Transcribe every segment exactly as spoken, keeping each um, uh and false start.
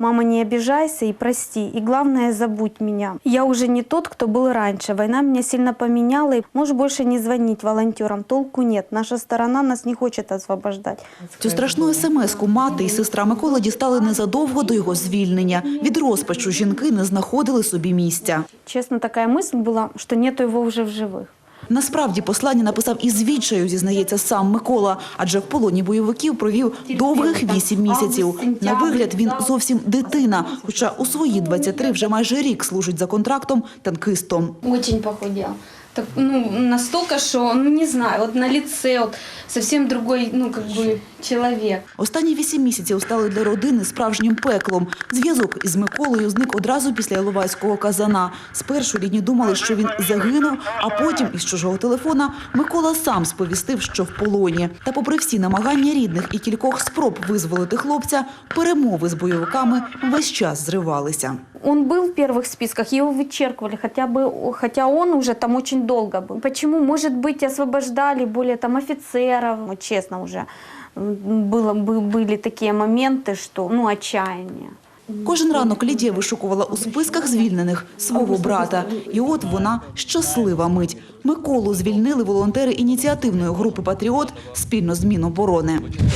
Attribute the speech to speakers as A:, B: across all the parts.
A: Мама, не обижайся и прости. И главное, забудь меня. Я уже не тот, кто был раньше. Война меня сильно поменяла. И можешь больше не звонить волонтерам. Толку нет. Наша сторона нас не хочет освобождать.
B: Цю страшну смс-ку мати і сестра Миколи дістали незадовго до його звільнення. Від розпачу жінки не знаходили собі місця.
A: Честно, такая мысль была, что нету его уже в живых.
B: Насправді послання написав із відчаю, зізнається сам Микола, адже в полоні бойовиків провів довгих вісім місяців. На вигляд він зовсім дитина, хоча у свої двадцять три вже майже рік служить за контрактом танкистом.
A: Очень похудел. Так, ну, настолько, что, ну, не знаю, вот на лице вот совсем другой, ну, как бы, человек.
B: Останні вісім місяців стали для родини справжнім пеклом. Зв'язок із Миколою зник одразу після Іловайського казана. Спершу рідні думали, що він загинув, а потім із чужого телефона Микола сам сповістив, що в полоні. Та попри всі намагання рідних і кількох спроб визволити хлопця, перемови з бойовиками весь час зривалися.
A: Он был в первых списках, его вычеркивали, хотя бы, хотя он уже там очень долго был. Почему? Может быть, освобождали более там офицеров. Вот, честно, уже было, были такие моменты, что, ну, отчаяние.
B: Кожен ранок Лідія вишукувала у списках звільнених свого брата. І от вона щаслива мить. Миколу звільнили волонтери ініціативної групи «Патріот» спільно з Міноборони.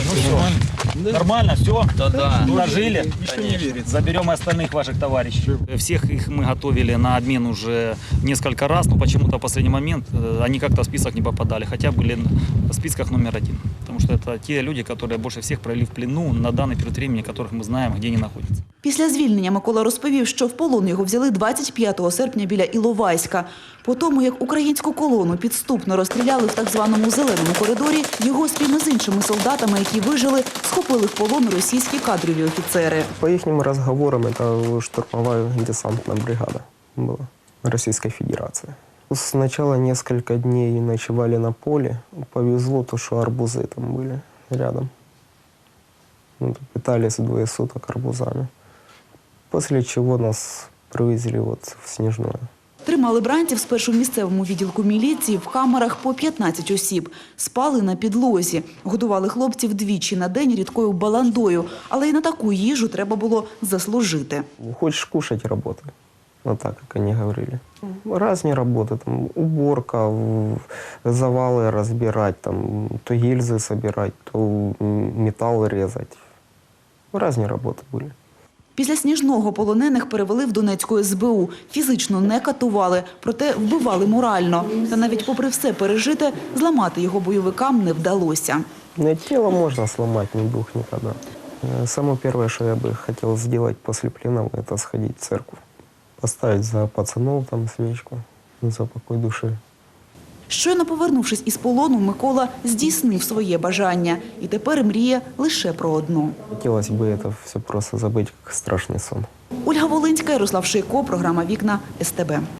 C: Нормально, все? Да-да. Уложили? Заберем остальных ваших товарищей. Всех их мы готовили на обмен уже несколько раз, но почему-то в последний момент они как-то в список не попадали, хотя были в списках номер один. Потому что это те люди, которые больше всех провели в плену на данный период времени, которых мы знаем, где они находятся.
B: Після звільнення Микола розповів, що в полон його взяли двадцять п'ятого серпня біля Іловайська. По тому, як українську колону підступно розстріляли в так званому «зеленому коридорі», його спільно з іншими солдатами, які вижили, схопили в полон російські кадрові офіцери.
D: По їхнім розговорам, це штурмова десантна бригада була Російської Федерації. Сначала несколько дней ночевали на поле. Повезло то, что арбузы там были рядом. Ну, питались двое суток арбузами. После чего нас привезли вот в Снежное.
B: Тримали бранців спершу в місцевому відділку міліції в камерах по п'ятнадцять осіб. Спали на підлозі. Годували хлопців двічі на день рідкою баландою. Але і на таку їжу треба було заслужити.
D: Хочешь кушать – работай. Вот так, как они говорили. Разные работы, там, уборка, завалы разбирать, там, то гильзы собирать, то металл резать. Разные работы были.
B: Після Сніжного полонених перевели в Донецьку ес бе у. Фізично не катували, проте вбивали морально. Та навіть попри все пережите, зламати його бойовикам не вдалося.
D: Но тело можно сломать, не дух никогда. Самое первое, что я бы хотел сделать после плена, это сходить в церковь. Поставить за пацанов там свечку, за покой души.
B: Щойно повернувшись із полону, Микола здійснив своє бажання. І тепер мріє лише про одну.
D: Хотілося б це все просто забити, як страшний сон.
B: Ольга Волинська, Ярослав Шийко, програма «Вікна» ес те бе.